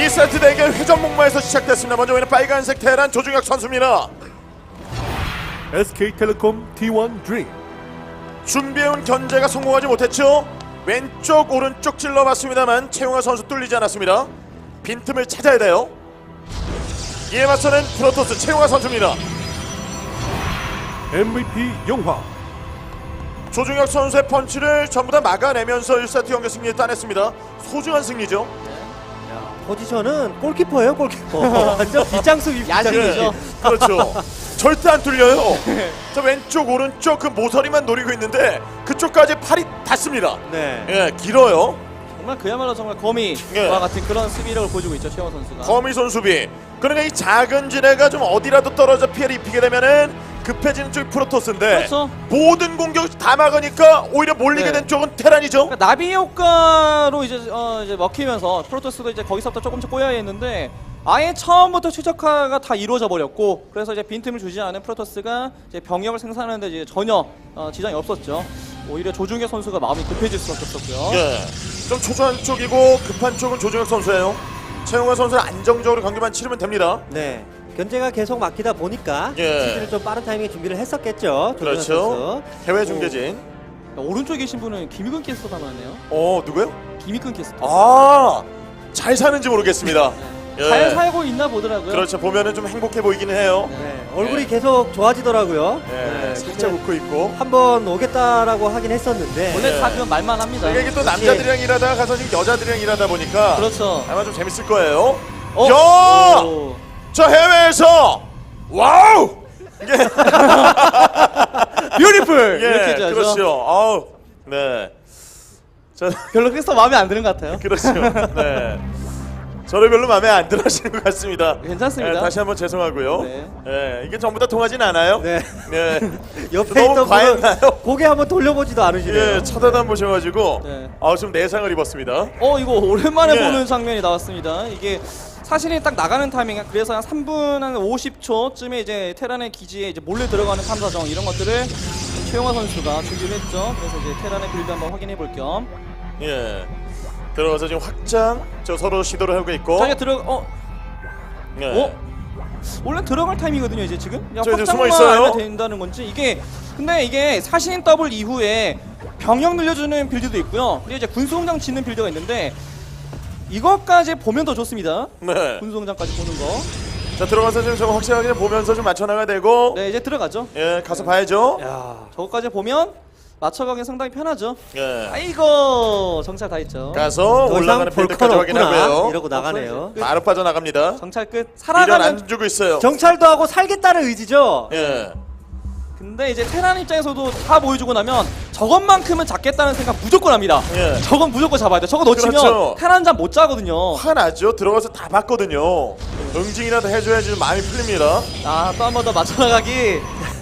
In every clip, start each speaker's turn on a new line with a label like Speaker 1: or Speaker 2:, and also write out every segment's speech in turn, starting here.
Speaker 1: 2세트 대결 회전 목마에서 시작됐습니다. 먼저 보이는 빨간색 테란 조중혁 선수입니다.
Speaker 2: SK텔레콤 T1 드림.
Speaker 1: 준비해온 견제가 성공하지 못했죠. 왼쪽 오른쪽 찔러봤습니다만 최용화 선수 뚫리지 않았습니다. 빈틈을 찾아야 돼요. 이에 맞서는 프로토스 최용화 선수입니다.
Speaker 2: MVP 용화.
Speaker 1: 조중혁 선수의 펀치를 전부 다 막아내면서 1세트 경기 승리를 따냈습니다. 소중한 승리죠.
Speaker 3: 포지션은 골키퍼예요, 골키퍼. 완전 빗장수
Speaker 1: 네, 그렇죠. 절대 안 뚫려요. 저 왼쪽 오른쪽 그 모서리만 노리고 있는데 그쪽까지 팔이 닿습니다.
Speaker 3: 네.
Speaker 1: 예, 길어요.
Speaker 4: 정말 그야말로 정말 거미와
Speaker 1: 예.
Speaker 4: 같은 그런 수비력을 보여주고 있죠, 최영호 선수가.
Speaker 1: 거미손 수비. 그러니까 이 작은 지대가 좀 어디라도 떨어져 피해를 입히게 되면은 급해지는 쪽이 프로토스인데
Speaker 4: 그렇죠.
Speaker 1: 모든 공격을 다 막으니까 오히려 몰리게
Speaker 4: 네.
Speaker 1: 된 쪽은 테란이죠.
Speaker 4: 그러니까 나비 효과로 이제 먹히면서 프로토스도 이제 거기서부터 조금씩 꼬여야 했는데 아예 처음부터 최적화가 다 이루어져 버렸고, 그래서 이제 빈틈을 주지 않은 프로토스가 이제 병력을 생산하는데 이제 전혀 지장이 없었죠. 오히려 조중혁 선수가 마음이 급해질 수밖에 없었고요.
Speaker 1: 예, 좀 초조한 쪽이고 급한 쪽은 조중혁 선수예요. 최용화 선수는 안정적으로 경기만 치르면 됩니다.
Speaker 3: 네. 견제가 계속 막히다 보니까
Speaker 1: 예.
Speaker 3: 시즌을 좀 빠른 타이밍에 준비를 했었겠죠. 조준현
Speaker 1: 그렇죠.
Speaker 3: 선수.
Speaker 1: 해외 중계진.
Speaker 4: 오른쪽에 계신 분은 김익근 캐스터 닮았네요.
Speaker 1: 누구요?
Speaker 4: 김익근 캐스터.
Speaker 1: 아, 잘 사는지 모르겠습니다. 예.
Speaker 4: 잘 살고 있나 보더라고요.
Speaker 1: 그렇죠. 보면은 좀 행복해 보이기는 해요.
Speaker 3: 네. 얼굴이
Speaker 1: 예.
Speaker 3: 계속 좋아지더라고요.
Speaker 1: 예,
Speaker 3: 네.
Speaker 1: 살짝 웃고 있고.
Speaker 3: 한번 오겠다라고 하긴 했었는데.
Speaker 4: 원래
Speaker 1: 예.
Speaker 4: 다 그런 말만 합니다.
Speaker 1: 이게 또 남자들이랑 일하다가 가서 지금 여자들이랑 일하다 보니까
Speaker 4: 그렇죠.
Speaker 1: 아마 좀 재밌을 거예요.
Speaker 4: 어?
Speaker 1: 야!
Speaker 4: 오.
Speaker 1: 저 해외에서 와우! 이게
Speaker 4: 뷰티풀!
Speaker 1: 예,
Speaker 4: 이렇게 해줘야죠.
Speaker 1: 그렇죠. 아우. 네. 저
Speaker 4: 별로 캐스터 마음에 안 드는 것 같아요.
Speaker 1: 그렇죠. 네. 저를 별로 마음에 안 들어 하시는 것 같습니다.
Speaker 4: 괜찮습니다.
Speaker 1: 네, 다시 한번 죄송하고요.
Speaker 4: 네.
Speaker 1: 네, 이게 전부 다 통하진 않아요.
Speaker 3: 네.
Speaker 1: 네.
Speaker 3: 옆에
Speaker 1: 너무
Speaker 3: 있던 분은
Speaker 1: 과했나요?
Speaker 3: 고개 한번 돌려보지도 않으시네요.
Speaker 1: 예, 쳐다도 안 보셔가지고
Speaker 4: 네.
Speaker 1: 좀 내상을 입었습니다.
Speaker 4: 이거 오랜만에
Speaker 1: 예.
Speaker 4: 보는 장면이 나왔습니다. 이게 사실은 딱 나가는 타이밍, 그래서 한 3분 한 50초쯤에 이제 테란의 기지에 이제 몰래 들어가는 탐사정 이런 것들을 최용화 선수가 준비를 했죠. 그래서 이제 테란의 빌드 한번 확인해 볼 겸.
Speaker 1: 예. 들어가서 지금 확장 서로 시도를 하고 있고.
Speaker 4: 자기가
Speaker 1: 예.
Speaker 4: 원래 들어갈 타임이거든요 이제 지금. 그냥
Speaker 1: 저 이제
Speaker 4: 확장만
Speaker 1: 숨어 있어요.
Speaker 4: 알면 된다는 건지 이게. 근데 이게 사신 더블 이후에 병력 늘려주는 빌드도 있고요. 그리고 이제 군수공장 짓는 빌드가 있는데 이것까지 보면 더 좋습니다.
Speaker 1: 네.
Speaker 4: 군수공장까지 보는 거.
Speaker 1: 자, 들어가서 지금 좀 확실하게 보면서 좀 맞춰나가야 되고.
Speaker 4: 네, 이제 들어가죠.
Speaker 1: 예, 가서 봐야죠.
Speaker 4: 야, 저거까지 보면 맞춰가기 상당히 편하죠.
Speaker 1: 예.
Speaker 4: 아이고, 정찰 다 했죠.
Speaker 1: 가서
Speaker 3: 더 이상
Speaker 1: 올라가는
Speaker 3: 볼 건
Speaker 1: 필드까지
Speaker 3: 없구나
Speaker 1: 확인하고요.
Speaker 3: 이러고 나가네요.
Speaker 1: 바로 빠져나갑니다.
Speaker 4: 정찰 끝.
Speaker 1: 미련
Speaker 4: 살아가는.
Speaker 1: 안 주고 있어요.
Speaker 3: 정찰도 하고 살겠다는 의지죠.
Speaker 1: 예.
Speaker 4: 근데 이제 테란 입장에서도 다 보여주고 나면 저것만큼은 잡겠다는 생각 무조건 합니다.
Speaker 1: 예.
Speaker 4: 저건 무조건 잡아야 돼. 저거 놓치면
Speaker 1: 그렇죠.
Speaker 4: 테란 잠 못 자거든요.
Speaker 1: 화나죠. 들어가서 다 봤거든요. 응징이라도 해줘야지 좀 마음이 풀립니다.
Speaker 4: 또 한 번 더 맞춰나가기.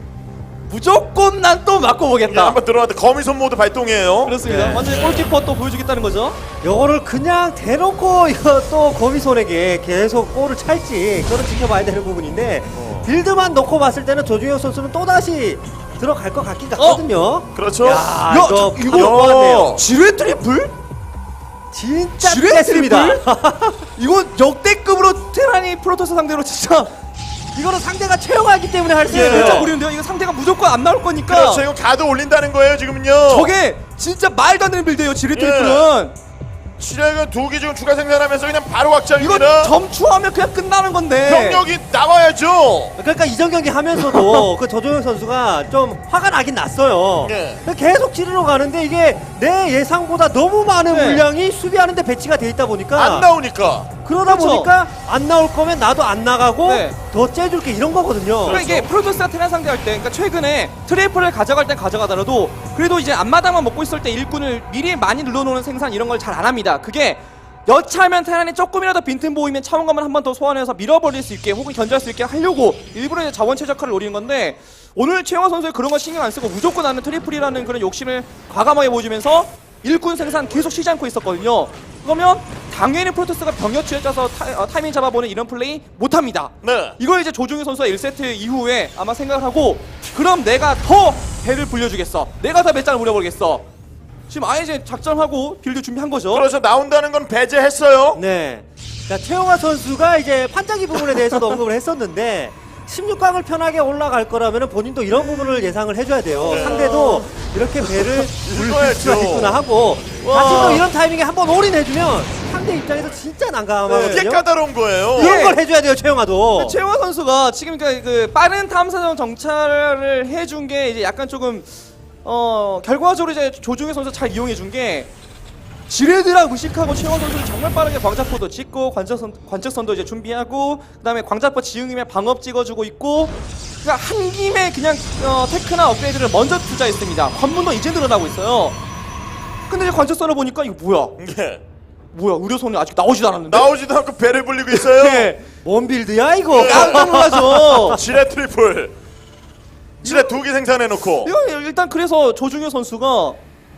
Speaker 4: 무조건 난 또 맞고
Speaker 1: 예,
Speaker 4: 보겠다.
Speaker 1: 한번 들어갔다. 거미손 모드 발동이에요.
Speaker 4: 그렇습니다.
Speaker 3: 네.
Speaker 4: 완전히 골키퍼 또 보여주겠다는 거죠.
Speaker 3: 요거를 그냥 대놓고 이거 또 거미손에게 계속 골을 찰지 그거는 지켜봐야 되는 부분인데 빌드만 놓고 봤을 때는 조중혁 선수는 또다시 들어갈 것 같긴 같거든요.
Speaker 1: 그렇죠.
Speaker 3: 야,
Speaker 4: 저-
Speaker 3: 이거
Speaker 4: 이거-
Speaker 3: 것 같네요.
Speaker 4: 지뢰 트리플?
Speaker 3: 진짜
Speaker 4: 지뢰
Speaker 3: 뺐습니다.
Speaker 4: 이거 역대급으로 테란이 프로토스 상대로 진짜
Speaker 3: 이거는 상대가 최용화이기 때문에 할 수
Speaker 1: 예.
Speaker 3: 있어요.
Speaker 4: 진짜 모르는데요. 이거 상대가 무조건 안 나올 거니까.
Speaker 1: 그렇죠. 이거 가드 올린다는 거예요, 지금은요.
Speaker 4: 저게 진짜 말도 안 되는 빌드예요. 지뢰 트리플은.
Speaker 1: 시작은 2기 지금 추가 생산하면서 그냥 바로
Speaker 4: 이거
Speaker 1: 확장입니다.
Speaker 4: 점추하면 그냥 끝나는 건데.
Speaker 1: 병력이 나와야죠.
Speaker 3: 그러니까 이전 경기 하면서도 그 조종혁 선수가 좀 화가 나긴 났어요.
Speaker 1: 예.
Speaker 3: 계속 찌르러 가는데 이게 내 예상보다 너무 많은
Speaker 4: 네.
Speaker 3: 물량이 수비하는데 배치가 돼 있다 보니까
Speaker 1: 안 나오니까.
Speaker 3: 그러다
Speaker 4: 그렇죠.
Speaker 3: 보니까 안 나올 거면 나도 안 나가고
Speaker 4: 네.
Speaker 3: 더 째줄게 이런 거거든요.
Speaker 4: 그러니까 이게 프로토스가 테란 상대할 때, 그러니까 최근에 트리플을 가져갈 땐 가져가더라도 그래도 이제 앞마당만 먹고 있을 때 일꾼을 미리 많이 늘려놓는 생산 이런 걸 잘 안 합니다. 그게 여차하면 테란이 조금이라도 빈틈 보이면 차원감을 한 번 더 소환해서 밀어버릴 수 있게 혹은 견제할 수 있게 하려고 일부러 이제 자원 최적화를 노리는 건데, 오늘 최영화 선수의 그런 거 신경 안 쓰고 무조건 나는 트리플이라는 그런 욕심을 과감하게 보여주면서 일꾼 생산 계속 쉬지 않고 있었거든요. 그러면 당연히 프로토스가 병력 취에 짜서 타이밍 잡아보는 이런 플레이 못합니다.
Speaker 1: 네.
Speaker 4: 이걸 이제 조중희 선수가 1세트 이후에 아마 생각을 하고, 그럼 내가 더 배를 불려주겠어, 내가 더 배짱을 부려버리겠어. 지금 아예 이제 작전하고 빌드 준비한 거죠.
Speaker 1: 그래서 나온다는 건 배제했어요.
Speaker 3: 네. 자, 최용화 선수가 이제 판자기 부분에 대해서도 언급을 했었는데 16강을 편하게 올라갈 거라면 본인도 이런 부분을 예상을 해줘야 돼요.
Speaker 1: 네.
Speaker 3: 상대도 이렇게 배를 굴릴
Speaker 1: 읽어야죠.
Speaker 3: 수가 있구나 하고
Speaker 1: 와.
Speaker 3: 자신도 이런 타이밍에 한번 올인해주면 상대 입장에서 진짜
Speaker 1: 이게
Speaker 3: 난감하거든요.
Speaker 1: 까다로운 거예요.
Speaker 3: 이런 걸 해줘야 돼요, 최용화도.
Speaker 4: 최용화 선수가 지금 그 빠른 탐사정 정찰을 해준 게 이제 약간 조금 결과적으로 이제 조중현 선수 잘 이용해 준 게 지뢰드라 무식하고 최용화 선수는 정말 빠르게 광자포도 찍고 관측선도 이제 준비하고 그다음에 광자포 지응이면 방업 찍어주고 있고 그러니까 한 김에 그냥 테크나 업그레이드를 먼저 투자했습니다. 관문도 이제 늘어나고 있어요. 근데 이제 관측선을 보니까 이거
Speaker 1: 예.
Speaker 4: 뭐야 의료선이 아직 나오지도 않았는데.
Speaker 1: 나오지도 않고 배를 불리고 있어요.
Speaker 4: 네.
Speaker 3: 뭔 빌드야 이거?
Speaker 4: 깜짝 놀라죠.
Speaker 1: 지뢰 트리플. 지뢰 2개 생산해놓고.
Speaker 4: 이거 일단 그래서 조중현 선수가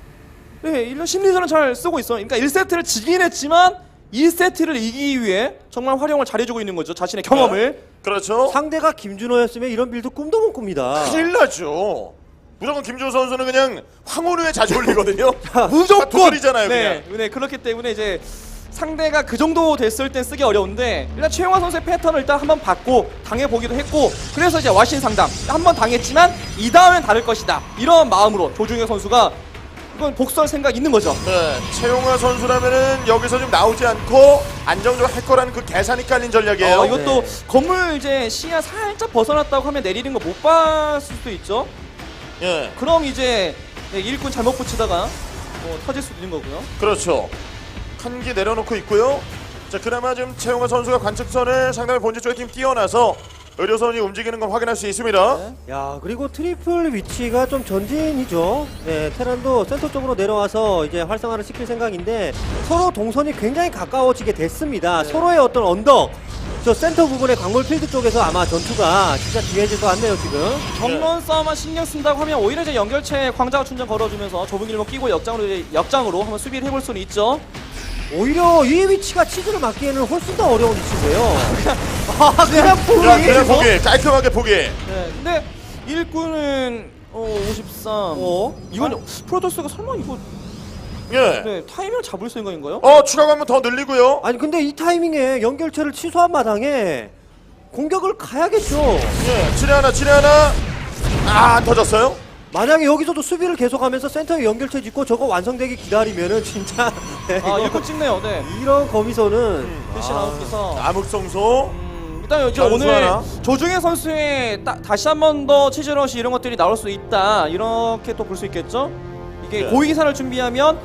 Speaker 4: 이런 심리전을 잘 쓰고 있어요. 그러니까 1세트를 지긴 했지만 2세트를 이기기 위해 정말 활용을 잘해주고 있는 거죠. 자신의 경험을.
Speaker 1: 그렇죠.
Speaker 3: 상대가 김준호였으면 이런 빌드 꿈도 못 꿉니다.
Speaker 1: 큰일 나죠. 무조건 김준호 선수는 그냥 황혼우에 자주 올리거든요.
Speaker 4: 무조건
Speaker 1: 두드리잖아요,
Speaker 4: 네, 네, 그렇기 때문에 이제 상대가 그 정도 됐을 땐 쓰기 어려운데 일단 최용화 선수의 패턴을 일단 한번 봤고 당해보기도 했고 그래서 이제 와신 상담 한번 당했지만 이 다음엔 다를 것이다 이런 마음으로 조중현 선수가 이건 복수할 생각 있는 거죠.
Speaker 1: 네, 최용화 선수라면은 여기서 좀 나오지 않고 안정적으로 할 거라는 그 계산이 깔린 전략이에요.
Speaker 4: 이것도
Speaker 3: 네.
Speaker 4: 건물 이제 시야 살짝 벗어났다고 하면 내리는 거 못 봤을 수도 있죠.
Speaker 1: 예,
Speaker 4: 그럼 이제 일꾼 잘못 붙이다가 터질 수도 있는 거고요.
Speaker 1: 그렇죠. 한 기 내려놓고 있고요. 자, 그나마 지금 최용화 선수가 관측선을 상당히 본질 쪽에 팀 뛰어나서 의료선이 움직이는 걸 확인할 수 있습니다.
Speaker 4: 네.
Speaker 3: 야, 그리고 트리플 위치가 좀 전진이죠. 네, 테란도 센터 쪽으로 내려와서 이제 활성화를 시킬 생각인데 서로 동선이 굉장히 가까워지게 됐습니다.
Speaker 4: 네.
Speaker 3: 서로의 어떤 언덕, 저 센터 부분의 광물 필드 쪽에서 아마 전투가 진짜 기해질 것 같네요, 지금.
Speaker 4: 정면 싸움만 신경 쓴다고 하면 오히려 이제 연결체에 광자가 충전 걸어주면서 좁은 길목 끼고 역장으로 한번 수비를 해볼 수는 있죠.
Speaker 3: 오히려 이 위치가 치즈를 막기에는 훨씬 더 어려운 위치인데요. 그냥 포기.
Speaker 1: 야, 그냥 포기. 깔끔하게 포기.
Speaker 4: 네, 근데 일꾼은 53. 이건 프로토스가 설마 이거
Speaker 1: 예.
Speaker 4: 타이밍을 잡을 생각인가요?
Speaker 1: 추가가 한번 더 늘리고요.
Speaker 3: 아니 근데 이 타이밍에 연결체를 취소한 마당에 공격을 가야겠죠.
Speaker 1: 예, 지뢰 하나. 안 터졌어요?
Speaker 3: 만약에 여기서도 수비를 계속하면서 센터에 연결체 짓고 저거 완성되기 기다리면은 진짜
Speaker 4: 일꾼 찍네요. 네.
Speaker 3: 이런 거미선은
Speaker 4: 대신 아웃기서.
Speaker 1: 암흑성소.
Speaker 4: 일단 이제
Speaker 1: 전수
Speaker 4: 오늘
Speaker 1: 하나.
Speaker 4: 조중현 선수의 다시 한 번 더 치즈러시 이런 것들이 나올 수 있다 이렇게 또 볼 수 있겠죠. 이게
Speaker 1: 네.
Speaker 4: 고위기사를 준비하면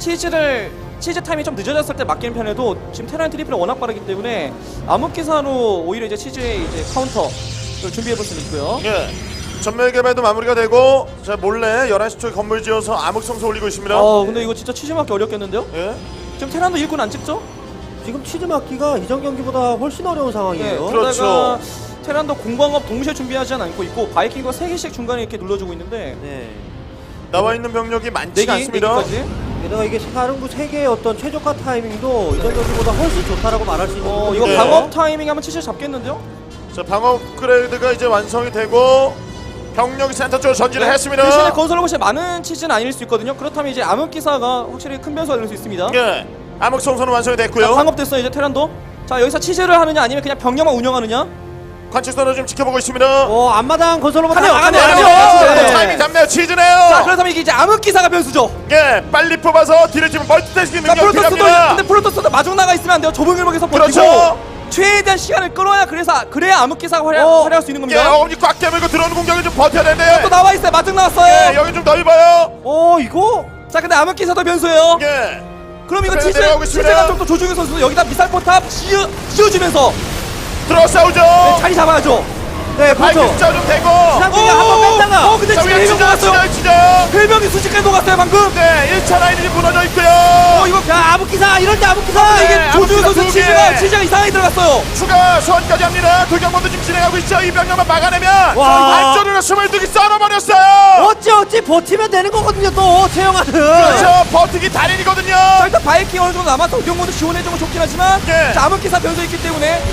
Speaker 4: 치즈 타임이 좀 늦어졌을 때 맡기는 편에도 지금 테란 트리플이 워낙 빠르기 때문에 암흑기사로 오히려 이제 치즈의 이제 카운터를 준비해 볼 수는 있고요.
Speaker 1: 예. 전멸 개발도 마무리가 되고 자 몰래 11시 쪽에 건물 지어서 암흑성소 올리고 있습니다.
Speaker 4: 근데 이거 진짜 치즈 맞기 어렵겠는데요?
Speaker 1: 예.
Speaker 4: 지금 테란도 일꾼 안 찍죠?
Speaker 3: 지금 치즈 막기가 이전 경기보다 훨씬 어려운 상황이에요.
Speaker 1: 그렇죠.
Speaker 4: 그러다가 테란도 공방업 동시에 준비하지 않고 있고 바이킹과 3개씩 중간에 이렇게 눌러주고 있는데
Speaker 3: 네.
Speaker 1: 나와 있는 병력이 많지가 않습니다.
Speaker 4: 4개까지.
Speaker 3: 게다가 이게 사령부 3개의 어떤 최적화 타이밍도 이전 경기보다 훨씬 좋다라고 말할 수 있는 부분이
Speaker 4: 이거
Speaker 1: 네.
Speaker 4: 방업 타이밍 하면 치즈 잡겠는데요?
Speaker 1: 자 방어 업그레이드가 이제 완성이 되고 병력이 센터 쪽으로 전진을 했습니다.
Speaker 4: 대신에 건설 로봇이 많은 치즈는 아닐 수 있거든요. 그렇다면 이제 암흑기사가 확실히 큰 변수가 될 수 있습니다.
Speaker 1: 예. 암흑성소는 완성이 됐고요.
Speaker 4: 방업됐어요 이제 테란도. 자 여기서 치즈를 하느냐 아니면 그냥 병력만 운영하느냐?
Speaker 1: 관측선을 좀 지켜보고 있습니다.
Speaker 3: 앞마당 건설로만
Speaker 4: 가네요, 가네요.
Speaker 1: 네. 타이밍 잡네요. 치즈네요.
Speaker 4: 자 그렇다면 이게 이제 암흑기사가 변수죠.
Speaker 1: 예. 빨리 뽑아서 뒤를 치면 멀티태스킹
Speaker 4: 자
Speaker 1: 능력이
Speaker 4: 프로토스도
Speaker 1: 필요합니다.
Speaker 4: 근데 프로토스도 마중 나가 있으면 안 돼요. 좁은 길목에서 버티고
Speaker 1: 그렇죠.
Speaker 4: 최대한 시간을 끌어야 그래야 암흑기사가 활약할 수 있는
Speaker 1: 예.
Speaker 4: 겁니다.
Speaker 1: 어머니 꽉 깨물고 들어오는 공격을 좀 버텨야 되는데.
Speaker 4: 또 나와 있어요. 마중 나왔어요.
Speaker 1: 예. 여기 좀 넓어요.
Speaker 3: 이거
Speaker 4: 자 근데 암흑기사도 변수예요.
Speaker 1: 예.
Speaker 4: 그럼 이거
Speaker 1: 그래, 내려오고 있습니다.
Speaker 4: 치즈가 좀 더 조중현 선수 여기다 미사일 포탑 씌워주면서
Speaker 1: 들어 싸우죠.
Speaker 4: 자리 잡아야죠.
Speaker 3: 네, 그렇죠.
Speaker 1: 발길 좀 되고.
Speaker 3: 지난번에 한번 뺐다가
Speaker 4: 근데
Speaker 1: 자,
Speaker 4: 지금
Speaker 1: 위에
Speaker 4: 해병 녹았어요.
Speaker 1: 치자.
Speaker 4: 해병이 순식간에 녹았어요 방금.
Speaker 1: 네. 1차 라인이 무너져 있고요.
Speaker 4: 이거
Speaker 3: 자, 아부기사 이럴 때 아부기사
Speaker 1: 네,
Speaker 4: 이게 조중현 선수
Speaker 1: 아무튼 두 개.
Speaker 4: 치즈가 이상하게 들어갔어요.
Speaker 1: 추가 소환까지 합니다. 도경범도 지금 진행하고 있죠. 이 병력만 막아내면
Speaker 3: 와.
Speaker 1: 안쪽으로 22기 썰어버렸어요.
Speaker 3: 어찌 버티면 되는 거거든요. 또 최영아는.
Speaker 1: 그렇죠. 버티기 달인이거든요.
Speaker 4: 자 일단 바이킹 어느 정도 남아서 도경모드 지원해주면 좋긴 하지만
Speaker 1: 네.
Speaker 4: 자 암흑기사 변수 있기 때문에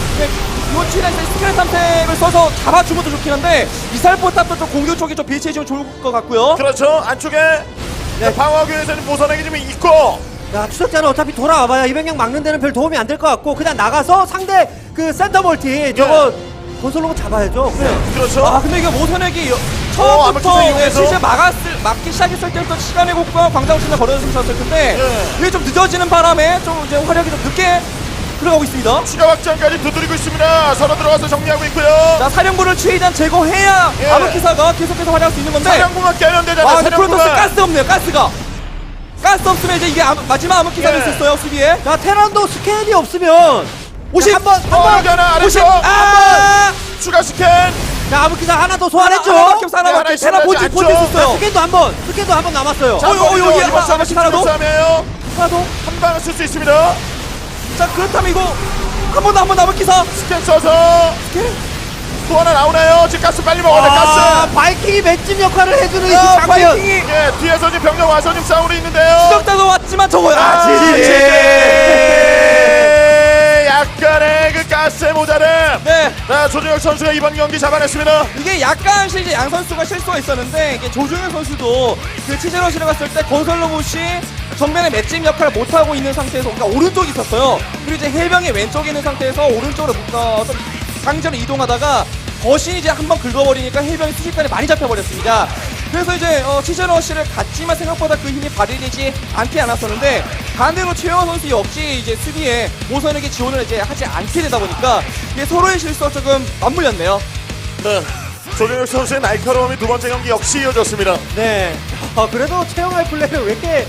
Speaker 4: 이번 치즈에서 스크랩 탐색을 써서 잡아주면 더 좋긴 한데 미사일 포탑도 좀 공격 쪽이 좀 배치해주면 좋을 것 같고요.
Speaker 1: 그렇죠. 안쪽에 방어구에서는 모선액이 좀 있고
Speaker 3: 야, 추적자는 어차피 돌아와봐야 이병력 막는 데는 별 도움이 안 될 것 같고 그냥 나가서 상대 그 센터 멀티 저거 건설로고 잡아야죠. 그냥.
Speaker 1: 그렇죠.
Speaker 4: 아 근데 이게 모선액이
Speaker 1: 아무튼
Speaker 4: 처음부터
Speaker 1: 이용해서.
Speaker 4: 실제 막기 시작했을 때부터 시간의 곡과 광장 신장 걸어줬으면 좋았을 텐데
Speaker 1: 네.
Speaker 4: 이게 좀 늦어지는 바람에 좀 이제 화력이 좀 늦게 들어가고 있습니다.
Speaker 1: 추가 확장까지 두드리고 있습니다. 서로 들어가서 정리하고 있고요.
Speaker 4: 자 사령부를 최대한 제거해야
Speaker 1: 예.
Speaker 4: 암흑기사가 계속해서 활약할 수 있는 건데
Speaker 1: 사령부가 깨는데잖아.
Speaker 4: 와 근데 프로토스
Speaker 1: 사령부가.
Speaker 4: 가스 없네요. 가스 없으면 이제 이게 마지막 암흑기사 될 수
Speaker 1: 예.
Speaker 4: 있어요 수비에.
Speaker 3: 자, 테란도 스캔이 없으면
Speaker 4: 50
Speaker 3: 한번
Speaker 1: 여기 하나 아래쪽
Speaker 4: 50 아
Speaker 1: 추가 스캔.
Speaker 3: 자, 아무기사 하나 더 소환했죠.
Speaker 4: 하나밖에 없어
Speaker 1: 네,
Speaker 4: 하나밖에.
Speaker 1: 하나
Speaker 4: 테라 본진
Speaker 1: 있어야지,
Speaker 4: 본진
Speaker 1: 안쪽.
Speaker 4: 썼어요.
Speaker 3: 스캔도 한 번 남았어요.
Speaker 1: 자,
Speaker 4: 여기
Speaker 1: 여기
Speaker 4: 하나,
Speaker 1: 이번 싸움은
Speaker 4: 하나도?
Speaker 1: 싸움이에요.
Speaker 4: 하나도.
Speaker 1: 한 방을 쓸 수 있습니다.
Speaker 4: 자 그렇다면 이거 한 번 더 암흑기사.
Speaker 1: 스캔 써서 또 하나 나오나요? 지금 가스 빨리 먹어야 돼.
Speaker 3: 아,
Speaker 1: 가스.
Speaker 3: 바이킹이 맷집 역할을 해주는 이
Speaker 4: 아,
Speaker 3: 장면.
Speaker 4: 바이킹이
Speaker 1: 예, 뒤에서 지금 병력 와서 지금 싸우고 있는데요.
Speaker 4: 추적자도 왔지만 저거야.
Speaker 1: 아,
Speaker 4: 지지.
Speaker 1: 약간의 그 가스의 모자름.
Speaker 4: 네.
Speaker 1: 자, 조준혁 선수가 이번 경기 잡아냈습니다.
Speaker 4: 이게 약간 이제 양 선수가 실수가 있었는데 이게 조중현 선수도 그 치즈러시를 갔을 때 건설 로봇이 정면에 맷집 역할을 못하고 있는 상태에서 그러니까 오른쪽에 있었어요. 그리고 이제 해병이 왼쪽에 있는 상태에서 오른쪽으로 묶어서 강제로 이동하다가 거신이 이제 한번 긁어버리니까 해병이 순식간에 많이 잡혀버렸습니다. 그래서 이제 치즈러시를 갔지만 생각보다 그 힘이 발휘되지 않지 않았었는데 반대로 최영원 선수 역시 이제 수비에 모선에게 지원을 이제 하지 않게 되다 보니까 이게 서로의 실수가 조금 맞물렸네요.
Speaker 1: 네. 조준혁 선수의 날카로움이 두 번째 경기 역시 이어졌습니다.
Speaker 3: 네. 그래도 최영할 플레이를 왜 이렇게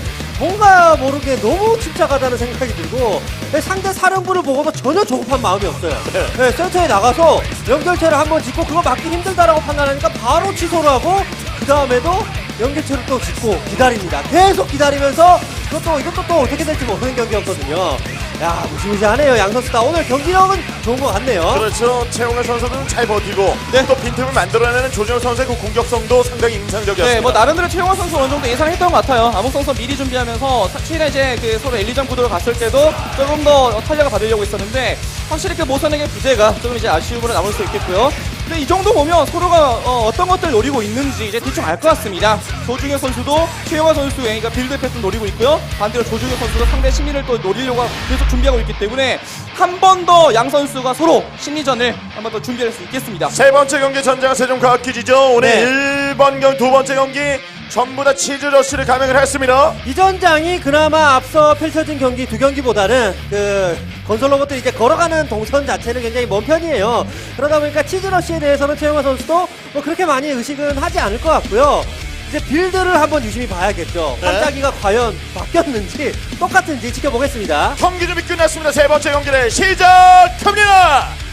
Speaker 3: 뭔가 모르게 너무 침착하다는 생각이 들고 상대 사령부를 보고도 전혀 조급한 마음이 없어요. 네, 센터에 나가서 연결체를 한번 짓고 그거 막기 힘들다라고 판단하니까 바로 취소를 하고 그 다음에도 연결체를 또 짓고 기다립니다. 계속 기다리면서 이것도 또 어떻게 될지 모르는 경기였거든요. 야, 무시무시하네요. 양 선수 다 오늘 경기력은 좋은 것 같네요.
Speaker 1: 그렇죠. 최용현 선수는 잘 버티고
Speaker 4: 네.
Speaker 1: 또 빈틈을 만들어내는 조준혁 선수의 그 공격성도 상당히 인상적이었습니다.
Speaker 4: 네, 뭐 나름대로 최용화 선수 어느 정도 예상했던 것 같아요. 암흑 선수 미리 준비하면서 최근에 이제 그 서로 1, 2전 구도로 갔을 때도 조금 더 탄력을 받으려고 했었는데 확실히 그 모선에게 부재가 조금 이제 아쉬움으로 남을 수 있겠고요. 근데 이 정도 보면 서로가 어떤 것들 노리고 있는지 이제 대충 알 것 같습니다. 조중현 선수도 최용화 선수의 그러니까 빌드 패턴 노리고 있고요. 반대로 조중현 선수도 상대 심리를 또 노리려고 계속 준비하고 있기 때문에 한 번 더 양 선수가 서로 심리전을 한 번 더 준비할 수 있겠습니다.
Speaker 1: 세 번째 경기 전장 세종과학기지죠. 오늘
Speaker 3: 네.
Speaker 1: 1번 경기, 두 번째 경기 전부 다 치즈러시를 감행을 했습니다.
Speaker 3: 이 전장이 그나마 앞서 펼쳐진 경기 두 경기보다는 그 건설 로봇들이 이제 걸어가는 동선 자체는 굉장히 먼 편이에요. 그러다 보니까 치즈러시에 대해서는 최영화 선수도 뭐 그렇게 많이 의식은 하지 않을 것 같고요. 이제 빌드를 한번 유심히 봐야겠죠.
Speaker 1: 네.
Speaker 3: 반짝이가 과연 바뀌었는지 똑같은지 지켜보겠습니다.
Speaker 1: 경기 준비 끝났습니다. 세 번째 경기를 시작합니다.